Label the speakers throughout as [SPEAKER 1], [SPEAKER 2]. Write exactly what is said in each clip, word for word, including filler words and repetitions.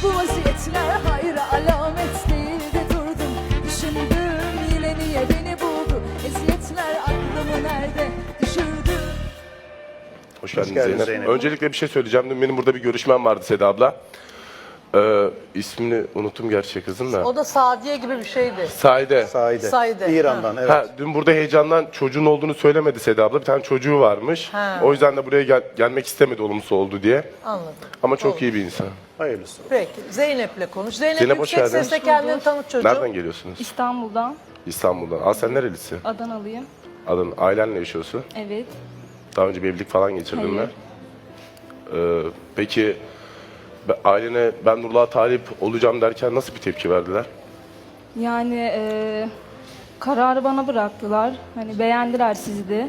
[SPEAKER 1] Bu vaziyetler hayra alamet değildi, durdum düşündüm, yine niye beni buldu? Eziyetler aklımı nerede düşürdü?
[SPEAKER 2] Hoş geldin,
[SPEAKER 3] Hoş geldin
[SPEAKER 2] Zeynep.
[SPEAKER 3] Zeynep.
[SPEAKER 2] Öncelikle bir şey söyleyeceğim. Dün benim burada bir görüşmem vardı Seda abla. Ee, ismini unuttum gerçi kızın da.
[SPEAKER 4] O da Sadiye gibi bir şeydi.
[SPEAKER 2] Saide.
[SPEAKER 3] Saide.
[SPEAKER 4] Saide.
[SPEAKER 3] İran'dan, evet.
[SPEAKER 2] Ha, dün burada heyecandan çocuğun olduğunu söylemedi Seda abla. Bir tane çocuğu varmış.
[SPEAKER 4] Ha.
[SPEAKER 2] O yüzden de buraya gel- gelmek istemedi olumsuz oldu diye.
[SPEAKER 4] Anladım.
[SPEAKER 2] Ama çok iyi bir insan.
[SPEAKER 3] Hayırlısı.
[SPEAKER 4] Peki Zeynep'le konuş. Zeynep,
[SPEAKER 2] Zeynep, hoş
[SPEAKER 4] yüksek
[SPEAKER 2] geldin.
[SPEAKER 4] sesle kendini tanıt çocuğum.
[SPEAKER 2] Nereden geliyorsunuz?
[SPEAKER 5] İstanbul'dan,
[SPEAKER 2] İstanbul'dan. Aa, sen nerelisin?
[SPEAKER 5] Adanalıyım.
[SPEAKER 2] Adın, ailenle yaşıyorsun.
[SPEAKER 5] Evet.
[SPEAKER 2] Daha önce bir evlilik falan geçirdin mi?
[SPEAKER 5] Hayır.
[SPEAKER 2] Ee, peki be- ailene ben Nurluğa talip olacağım derken nasıl bir tepki verdiler?
[SPEAKER 5] Yani eee, kararı bana bıraktılar. Hani beğendiler sizi de.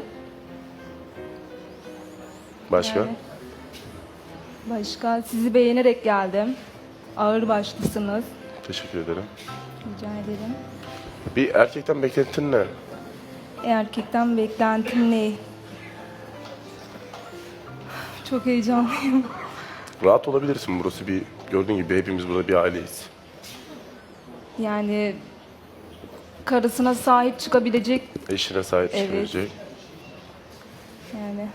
[SPEAKER 2] Başka?
[SPEAKER 5] Yani başka sizi beğenerek geldim. Ağır başlısınız.
[SPEAKER 2] Teşekkür ederim.
[SPEAKER 5] Rica ederim.
[SPEAKER 2] Bir erkekten beklentin ne?
[SPEAKER 5] Erkekten beklentim ne? Çok heyecanlıyım.
[SPEAKER 2] Rahat olabilirsin. Burası bir, gördüğün gibi hepimiz burada bir aileyiz.
[SPEAKER 5] Yani karısına sahip çıkabilecek,
[SPEAKER 2] Eşine sahip
[SPEAKER 5] Evet.
[SPEAKER 2] çıkabilecek.
[SPEAKER 5] yani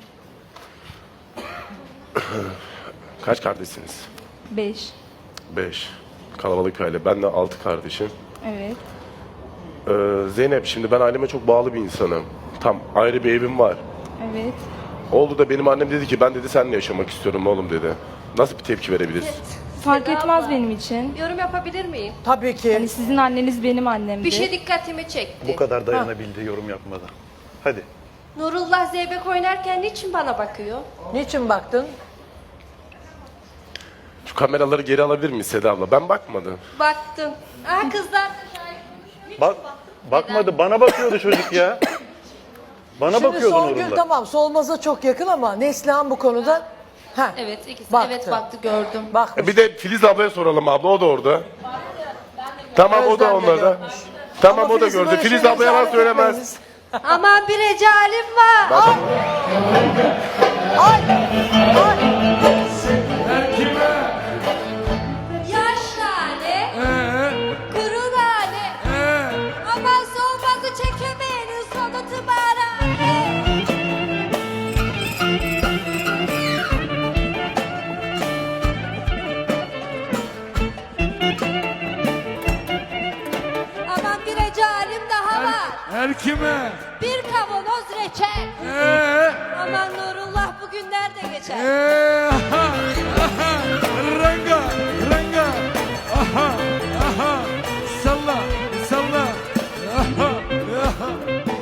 [SPEAKER 2] Kaç kardeşsiniz?
[SPEAKER 5] beş.
[SPEAKER 2] Beş. Kalabalık aile. Ben de altı kardeşim.
[SPEAKER 5] Evet.
[SPEAKER 2] Ee, Zeynep, şimdi ben aileme çok bağlı bir insanım. Tam ayrı bir evim var.
[SPEAKER 5] Evet.
[SPEAKER 2] Oldu da benim annem dedi ki ben dedi seninle yaşamak istiyorum oğlum dedi. Nasıl bir tepki verebiliriz?
[SPEAKER 5] Fark
[SPEAKER 6] Seda
[SPEAKER 5] etmez
[SPEAKER 6] abla,
[SPEAKER 5] benim için.
[SPEAKER 6] Yorum yapabilir miyim?
[SPEAKER 4] Tabii ki.
[SPEAKER 5] Yani sizin anneniz benim annemdi.
[SPEAKER 6] Bir şey dikkatimi çekti.
[SPEAKER 3] Bu kadar dayanabildi yorum yapmadan. Hadi.
[SPEAKER 6] Nurullah zeybek oynarken niçin bana bakıyor?
[SPEAKER 4] Niçin baktın?
[SPEAKER 2] Şu kameraları geri alabilir miyiz Seda abla? Ben bakmadım.
[SPEAKER 6] Baktım. Aa kızlar.
[SPEAKER 3] Bak, bakmadı. Bana bakıyordu çocuk ya. Bana
[SPEAKER 4] Şimdi
[SPEAKER 3] bakıyordu
[SPEAKER 4] Songül
[SPEAKER 3] Nurullah.
[SPEAKER 4] tamam Solmaz'a çok yakın ama Neslihan bu konuda ha,
[SPEAKER 6] Evet ikisi.
[SPEAKER 4] Baktı.
[SPEAKER 6] Evet baktı gördüm.
[SPEAKER 4] bak
[SPEAKER 2] E bir de Filiz ablaya soralım abla, o da orada. Tamam, o da
[SPEAKER 4] Özlem de
[SPEAKER 2] onlarda.
[SPEAKER 4] görmüş.
[SPEAKER 2] Tamam,
[SPEAKER 4] Ama
[SPEAKER 2] o da
[SPEAKER 4] Filiz'in
[SPEAKER 2] gördü.
[SPEAKER 4] böyle
[SPEAKER 2] Filiz
[SPEAKER 4] şeyleri
[SPEAKER 2] abla yalan
[SPEAKER 4] işaret
[SPEAKER 2] söylemez.
[SPEAKER 4] etmeniz-
[SPEAKER 6] Aman bir recalim var.
[SPEAKER 4] Ay! Ay!
[SPEAKER 6] Yaş nane. Kuru nane. Aman solmazı çekemeyenin sonu tımarhane. Aman bir recalim daha var.
[SPEAKER 7] Her kime?
[SPEAKER 6] Bir kavanoz reçel.
[SPEAKER 7] Ee,
[SPEAKER 6] Aman Nurullah bugün nerede geçer?
[SPEAKER 7] ee, aha, aha, ranga, ranga, aha, aha, salla, salla, aha, aha.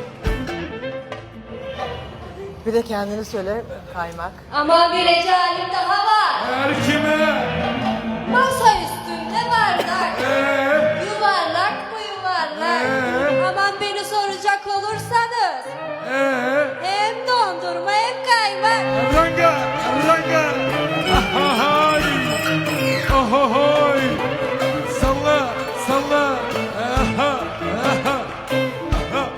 [SPEAKER 4] Bir de kendini söyle kaymak.
[SPEAKER 6] Aman bir recalim daha var.
[SPEAKER 7] Her kime?
[SPEAKER 6] Masa üstünde bardak.
[SPEAKER 7] Ee,
[SPEAKER 6] Yuvarlak mı yuvarlak?
[SPEAKER 7] Ee?
[SPEAKER 6] Aman beni soracak olursanız.
[SPEAKER 7] ee,
[SPEAKER 6] Hem dondurma hem kaymak.
[SPEAKER 7] ranga, ranga, ahahay, ahahay, salla, salla, aha, aha, aha.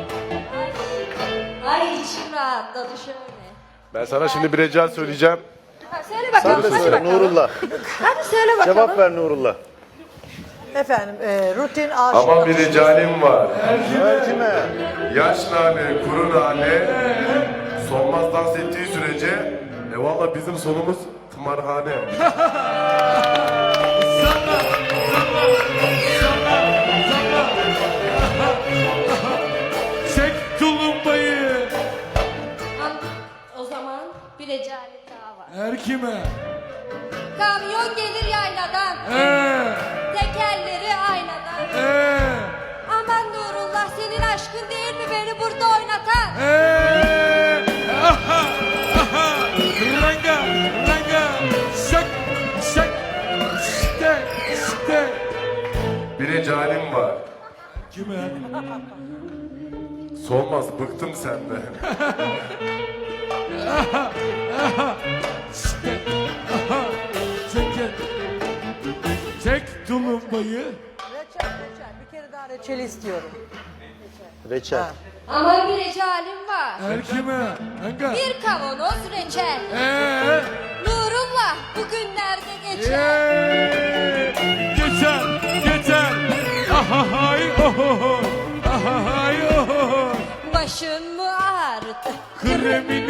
[SPEAKER 6] Ay içim rahatladı şöyle.
[SPEAKER 2] Ben sana şimdi bir rica söyleyeceğim.
[SPEAKER 6] Ha, söyle
[SPEAKER 3] Sen
[SPEAKER 6] bakalım
[SPEAKER 3] de
[SPEAKER 6] hadi
[SPEAKER 3] söyle
[SPEAKER 6] bakalım.
[SPEAKER 3] Nurullah.
[SPEAKER 6] Hadi söyle bakalım.
[SPEAKER 3] Cevap ver Nurullah.
[SPEAKER 4] Efendim e, rutin aşık.
[SPEAKER 2] Ama bir ricalim var.
[SPEAKER 3] Her kime?
[SPEAKER 2] Yaş nane, kuru nane, Solmaz dans ettiği sürece e valla bizim sonumuz tımarhane.
[SPEAKER 7] Çek tulumbayı.
[SPEAKER 6] Am- O zaman bir recalim daha var.
[SPEAKER 7] Her kime?
[SPEAKER 6] Kamyon gelir yayladan.
[SPEAKER 7] Ee,
[SPEAKER 6] Tekerleri aynadan.
[SPEAKER 7] ee,
[SPEAKER 6] Aman Nurullah senin aşkın değil mi beni burada oynatan?
[SPEAKER 7] ee, aha, aha, ranga, ranga, şak, şak, işte, işte.
[SPEAKER 2] Bir ricalim var.
[SPEAKER 7] Kime?
[SPEAKER 2] Solmaz, bıktım senden.
[SPEAKER 7] İşte, aha, çek, çek tulumbayı.
[SPEAKER 4] Reçel reçel bir kere daha reçeli istiyorum.
[SPEAKER 3] Reçel.
[SPEAKER 6] Aman bir recalim var.
[SPEAKER 7] Her kime? Ranga.
[SPEAKER 6] Bir kavanoz reçel.
[SPEAKER 7] Ee,
[SPEAKER 6] Nurullah bugün nerede geçer?
[SPEAKER 7] ee,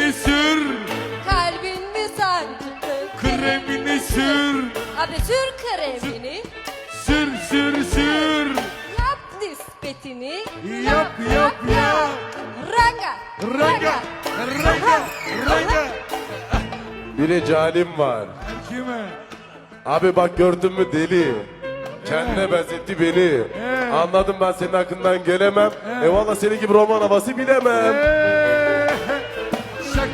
[SPEAKER 7] Kremini sür,
[SPEAKER 6] Kalbin mi sancılı?
[SPEAKER 7] kremini sür.
[SPEAKER 6] Abi sür kremini.
[SPEAKER 7] Sür sür sür.
[SPEAKER 6] Yap nispetini.
[SPEAKER 7] Yap yap yap.
[SPEAKER 6] Ranga.
[SPEAKER 7] Raga, raga, raga.
[SPEAKER 2] Bir ecalim var.
[SPEAKER 7] Kime?
[SPEAKER 2] Abi bak gördün mü deli. Kendine benzetti beni. Anladım ben senin hakkından gelemem. E valla senin gibi roman havası bilemem.
[SPEAKER 7] Ee, şak.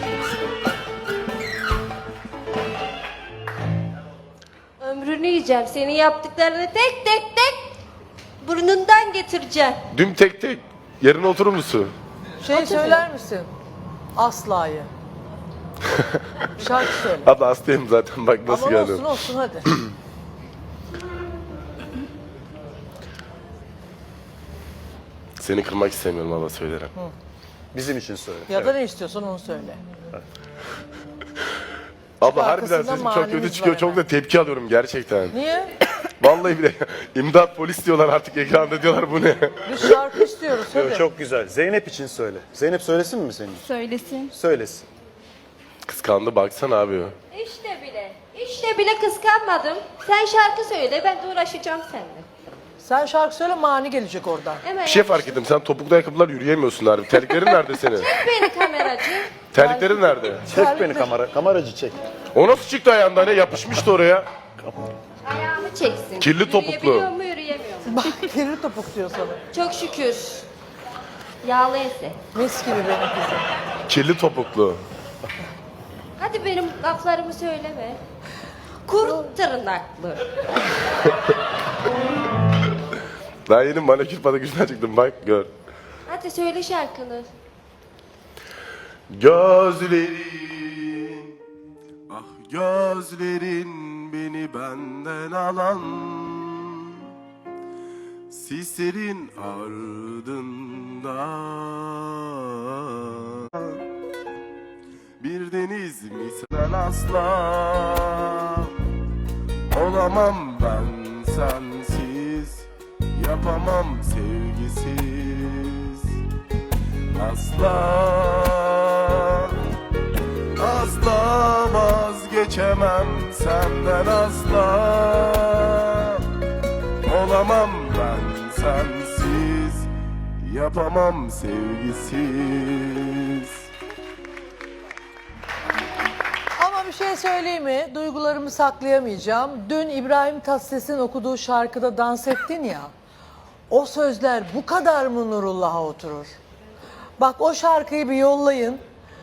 [SPEAKER 6] Ömrünü yiyeceğim. Senin yaptıklarını tek tek tek burnundan getireceğim.
[SPEAKER 2] Düm tek tek. Yerine oturur musun?
[SPEAKER 4] Şey söyler misin? Asla'yı. Şarkı söyle.
[SPEAKER 2] Abla hastayım zaten bak nasıl
[SPEAKER 4] Aman
[SPEAKER 2] geldim.
[SPEAKER 4] olsun olsun hadi.
[SPEAKER 2] Seni kırmak istemiyorum abla söylerim.
[SPEAKER 3] Bizim için söyle.
[SPEAKER 4] Ya da ne istiyorsan onu söyle.
[SPEAKER 2] Abla harbiden
[SPEAKER 4] arkasında
[SPEAKER 2] sesin çok
[SPEAKER 4] manimiz
[SPEAKER 2] kötü
[SPEAKER 4] var
[SPEAKER 2] çıkıyor. Çok
[SPEAKER 4] hemen.
[SPEAKER 2] da tepki alıyorum gerçekten.
[SPEAKER 4] Niye?
[SPEAKER 2] Vallahi bile imdat polis diyorlar artık ekranda diyorlar bu ne?
[SPEAKER 4] Biz şarkı istiyoruz
[SPEAKER 3] Yo,
[SPEAKER 4] hadi.
[SPEAKER 3] çok güzel. Zeynep için söyle. Zeynep söylesin mi senin?
[SPEAKER 5] Söylesin.
[SPEAKER 3] Söylesin.
[SPEAKER 2] Kıskandı baksana abi.
[SPEAKER 6] İşte bile. İşte bile kıskanmadım. Sen şarkı söyle, ben de uğraşacağım seninle.
[SPEAKER 4] Sen şarkı söyle mani gelecek oradan.
[SPEAKER 6] Hemen
[SPEAKER 2] Bir şey fark ettim sen topuklu ayakkabılar yürüyemiyorsun harbi. Terliklerin nerede senin?
[SPEAKER 6] Çek beni kameracı.
[SPEAKER 2] Terliklerin nerede?
[SPEAKER 3] Çek beni kamera. Kameracı çek.
[SPEAKER 2] O nasıl çıktı ayağından ne? Yapışmıştı oraya.
[SPEAKER 6] Ayağımı çeksin.
[SPEAKER 2] Kirli topuklu.
[SPEAKER 6] Yürüyebiliyor mu, yürüyemiyor mu?
[SPEAKER 4] Bak kiri topuk diyor sana.
[SPEAKER 6] Çok şükür. Yağlı ense.
[SPEAKER 4] Mis gibi benim kızım.
[SPEAKER 2] Kirli topuklu.
[SPEAKER 6] Hadi benim laflarımı söyleme. Kurt tırnaklı.
[SPEAKER 2] Daha yeni manikür pedikürden çıktım bak gör.
[SPEAKER 6] Hadi söyle şarkını.
[SPEAKER 2] Gözlerin, ah gözlerin beni benden alan sislerin ardında bir deniz misal asla olamam ben sensiz yapamam sevgisiz asla asla vazgeçemem senden asla olamam ben sensiz yapamam sevgisiz.
[SPEAKER 4] Ama bir şey söyleyeyim mi? Duygularımı saklayamayacağım. Dün İbrahim Tatlıses'in okuduğu şarkıda dans ettin ya. O sözler bu kadar mı Nurullah'a oturur? Bak o şarkıyı bir yollayın.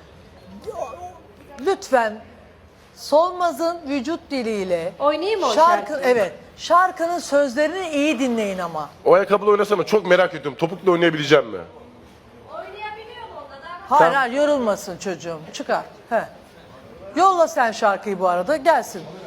[SPEAKER 4] Lütfen Solmaz'ın vücut diliyle
[SPEAKER 6] Oynayayım mı o
[SPEAKER 4] şarkı,
[SPEAKER 6] şarkıyı?
[SPEAKER 4] evet. Şarkının sözlerini iyi dinleyin ama.
[SPEAKER 2] O ayakkabıyla oynasana çok merak ediyorum. Topukla oynayabileceğim mi?
[SPEAKER 6] Oynayabiliyor mu onda da?
[SPEAKER 4] Hayır hayır yorulmasın çocuğum. Çıkar. He. Yolla sen şarkıyı bu arada gelsin.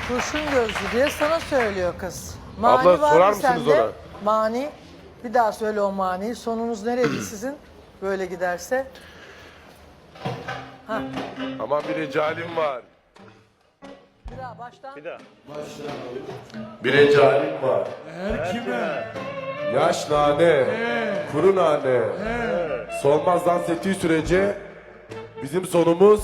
[SPEAKER 4] Kurşun gözlü diye sana söylüyor kız.
[SPEAKER 2] Abla,
[SPEAKER 4] var mı
[SPEAKER 2] sorar mısınız
[SPEAKER 4] sende?
[SPEAKER 2] ona?
[SPEAKER 4] Mani. Bir daha söyle o maniyi. Sonunuz nereydi sizin? Böyle giderse.
[SPEAKER 2] Aman bir recalim var.
[SPEAKER 4] Bir daha baştan.
[SPEAKER 3] Bir daha.
[SPEAKER 2] Bir recalim var.
[SPEAKER 7] Her kime?
[SPEAKER 2] Yaş nane, kuru nane. Solmaz dans ettiği sürece bizim sonumuz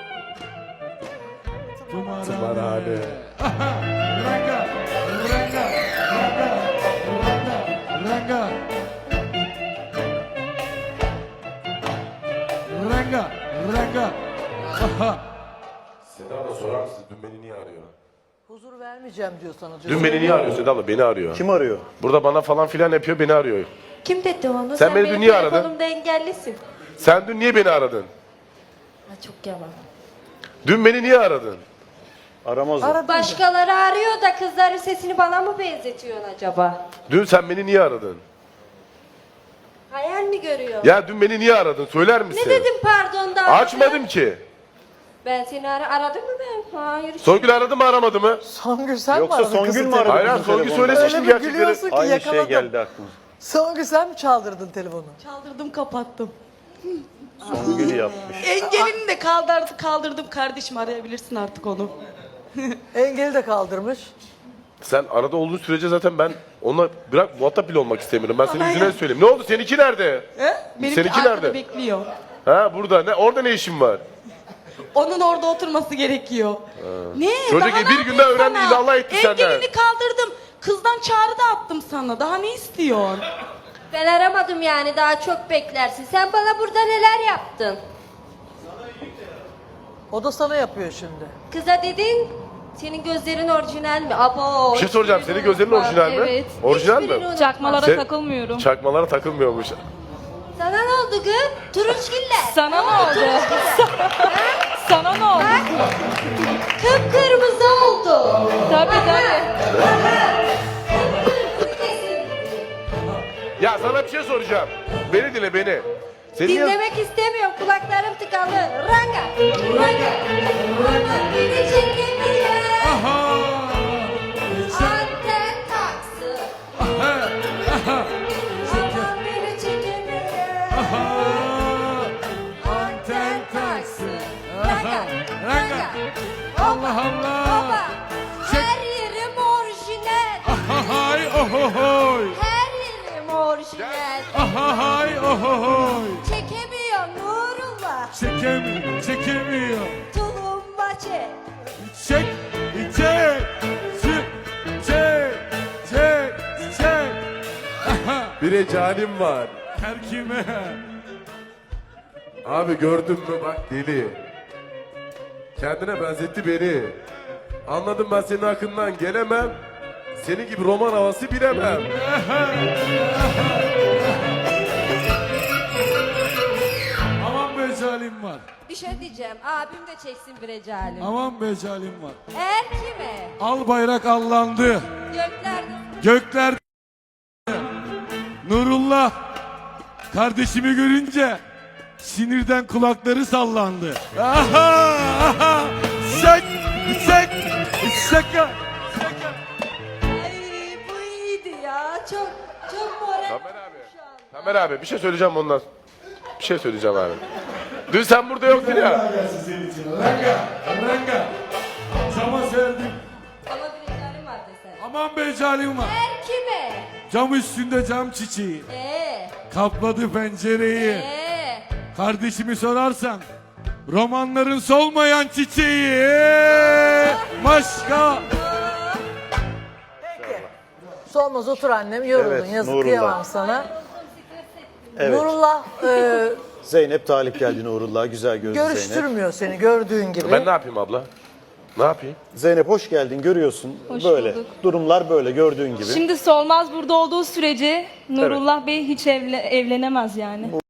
[SPEAKER 7] Tımarhane.
[SPEAKER 2] tımarhane.
[SPEAKER 7] Ranga, ranga, ranga, ranga, ranga. Ranga, ranga. Aha.
[SPEAKER 2] Seda abla sorar mısın? Dün beni niye arıyor?
[SPEAKER 4] Huzur vermeyeceğim diyor sana.
[SPEAKER 2] Dün beni niye arıyor Seda abla? Beni arıyor.
[SPEAKER 3] Kim arıyor?
[SPEAKER 2] Burada bana falan filan yapıyor, beni arıyor.
[SPEAKER 6] Kim dedi onu?
[SPEAKER 2] Sen beni
[SPEAKER 6] benim
[SPEAKER 2] dün niye aradın?
[SPEAKER 6] telefonumda engellisin.
[SPEAKER 2] Sen dün niye beni aradın?
[SPEAKER 6] Ha, çok yalan.
[SPEAKER 2] Dün beni niye aradın?
[SPEAKER 3] Aramaz o.
[SPEAKER 4] Aradın mı?
[SPEAKER 6] Başkaları arıyor da kızların sesini bana mı benzetiyorsun acaba?
[SPEAKER 2] Dün sen beni niye aradın?
[SPEAKER 6] Hayal mi görüyor?
[SPEAKER 2] Ya dün beni niye aradın? Söyler misin?
[SPEAKER 6] Ne dedim pardon da?
[SPEAKER 2] Açmadım ki.
[SPEAKER 6] Ben seni ara aradım mı ben? Hayır.
[SPEAKER 2] Songül aradı mı aramadı mı?
[SPEAKER 4] Songül sen
[SPEAKER 3] Yoksa
[SPEAKER 4] mi aradın
[SPEAKER 3] Songül
[SPEAKER 4] kızın
[SPEAKER 3] mü aradı?
[SPEAKER 4] telefonu?
[SPEAKER 2] Hayır, hayır,
[SPEAKER 3] bizim
[SPEAKER 2] Songül
[SPEAKER 3] telefonda?
[SPEAKER 2] söylesin
[SPEAKER 4] Öyle
[SPEAKER 2] şimdi
[SPEAKER 4] bir
[SPEAKER 2] gerçekleri.
[SPEAKER 4] gülüyorsun ki
[SPEAKER 3] Aynı
[SPEAKER 4] yakaladım.
[SPEAKER 3] şey geldi aklıma.
[SPEAKER 4] Songül sen mi çaldırdın telefonu?
[SPEAKER 8] Çaldırdım kapattım.
[SPEAKER 3] Songül yapmış.
[SPEAKER 8] Engelini de kaldırdım, kaldırdım kardeşim, arayabilirsin artık onu.
[SPEAKER 4] Engeli de kaldırmış.
[SPEAKER 2] Sen arada olduğun sürece zaten ben onunla bırak muhatap bile olmak istemiyorum. Ben senin
[SPEAKER 8] Aman
[SPEAKER 2] yüzüne
[SPEAKER 8] ya.
[SPEAKER 2] söyleyeyim. Ne oldu? Seninki nerede?
[SPEAKER 8] He? Benimki
[SPEAKER 2] Seninki
[SPEAKER 8] arkada
[SPEAKER 2] nerede?
[SPEAKER 8] bekliyor.
[SPEAKER 2] Ha burada. Ne? Orada ne işin var?
[SPEAKER 8] Onun orada oturması gerekiyor. Ne?
[SPEAKER 2] Çocuk
[SPEAKER 8] Daha ne
[SPEAKER 2] bir günde
[SPEAKER 8] yapayım
[SPEAKER 2] öğrendi,
[SPEAKER 8] sana?
[SPEAKER 2] illallah etti senden.
[SPEAKER 8] Engelini kaldırdım. Kızdan çağrı da attım sana. Daha ne istiyorsun?
[SPEAKER 6] Ben aramadım yani, daha çok beklersin. Sen bana burada neler yaptın?
[SPEAKER 4] O da sana yapıyor şimdi.
[SPEAKER 6] Kıza dedin, senin gözlerin orijinal mi? Abo.
[SPEAKER 2] Bir şey soracağım.
[SPEAKER 6] hiçbirini
[SPEAKER 2] Senin gözlerin
[SPEAKER 6] unutmam.
[SPEAKER 2] orijinal mi?
[SPEAKER 5] Evet.
[SPEAKER 2] Orijinal
[SPEAKER 6] Hiçbirini
[SPEAKER 2] mi?
[SPEAKER 6] unutmam.
[SPEAKER 5] Çakmalara
[SPEAKER 2] Sen-
[SPEAKER 5] takılmıyorum.
[SPEAKER 2] Çakmalara takılmıyormuş.
[SPEAKER 6] Sana ne oldu kız? Turunçgiller.
[SPEAKER 5] Sana ne oldu? Sana ne oldu?
[SPEAKER 6] Kıpkırmızı oldu.
[SPEAKER 5] Tabii tabii.
[SPEAKER 2] Ya sana bir şey soracağım. Beni dinle beni. Senin niye-
[SPEAKER 6] Dinlemek istemiyorum, kulaklarım tıkalı. Ranga, ranga, ranga. Beni çekemiyor.
[SPEAKER 7] Aha.
[SPEAKER 6] Anten taksın. Aman beni çekemiyor.
[SPEAKER 7] Aha.
[SPEAKER 6] Anten taksın. Ranga,
[SPEAKER 7] Ranga.
[SPEAKER 6] ranga.
[SPEAKER 7] Allah Allah.
[SPEAKER 6] Baba, her yerim orijinal.
[SPEAKER 7] Ahahay ohohoy.
[SPEAKER 6] Her yerim orijinal.
[SPEAKER 7] Ahahay ohohoy.
[SPEAKER 6] Çekemiyor Nurullah.
[SPEAKER 7] Çekemiyor, çekemiyor.
[SPEAKER 6] Tulumba çek.
[SPEAKER 7] Çek, çek, çek, çek, çek, çek. Aha.
[SPEAKER 2] Bir recalim var.
[SPEAKER 7] Her kime?
[SPEAKER 2] Abi gördün mü bak deli. Kendine benzetti beni. Anladım, ben senin hakkından gelemem. Senin gibi roman havası bilemem.
[SPEAKER 7] Aman be zalim var.
[SPEAKER 6] Bir şey diyeceğim. Abim de çeksin bir recalim.
[SPEAKER 7] Aman be zalim var.
[SPEAKER 6] Er kime?
[SPEAKER 7] Al bayrak allandı.
[SPEAKER 6] Göklerde.
[SPEAKER 7] Gökler Nurullah kardeşimi görünce sinirden kulakları sallandı. Aha! Aha! Şak! Şak! Şaka! Şaka!
[SPEAKER 6] Ay bu iyiydi ya. Çok çok moral.
[SPEAKER 2] Tamer abi. Tamer abi bir şey söyleyeceğim ondan. Bir şey söyleyeceğim abi. Dün sen burada yoktun ya.
[SPEAKER 7] Ranga! Ranga! Cama serdim.
[SPEAKER 6] Ama bir recalim var desen.
[SPEAKER 7] Aman be zalim var.
[SPEAKER 6] Er kime?
[SPEAKER 7] Cam üstünde cam çiçeği.
[SPEAKER 6] Ee,
[SPEAKER 7] Kapladı pencereyi.
[SPEAKER 6] ee.
[SPEAKER 7] Kardeşimi sorarsan romanların solmayan çiçeği. Ee, Başka.
[SPEAKER 4] Peki. Solmaz otur annem, yoruldun.
[SPEAKER 3] Evet,
[SPEAKER 4] Yazık
[SPEAKER 3] Nurullah.
[SPEAKER 4] kıyamam sana.
[SPEAKER 3] Evet.
[SPEAKER 4] Nurullah e,
[SPEAKER 3] Zeynep talip geldi Nurullah. Güzel gözlü Zeynep.
[SPEAKER 4] görüştürmüyor seni gördüğün gibi.
[SPEAKER 2] Ben ne yapayım abla? Ne yapayım?
[SPEAKER 3] Zeynep hoş geldin. Görüyorsun.
[SPEAKER 5] Hoş
[SPEAKER 3] böyle.
[SPEAKER 5] bulduk.
[SPEAKER 3] Durumlar böyle gördüğün gibi.
[SPEAKER 5] Şimdi Solmaz burada olduğu sürece Nurullah Bey hiç evle- evlenemez yani.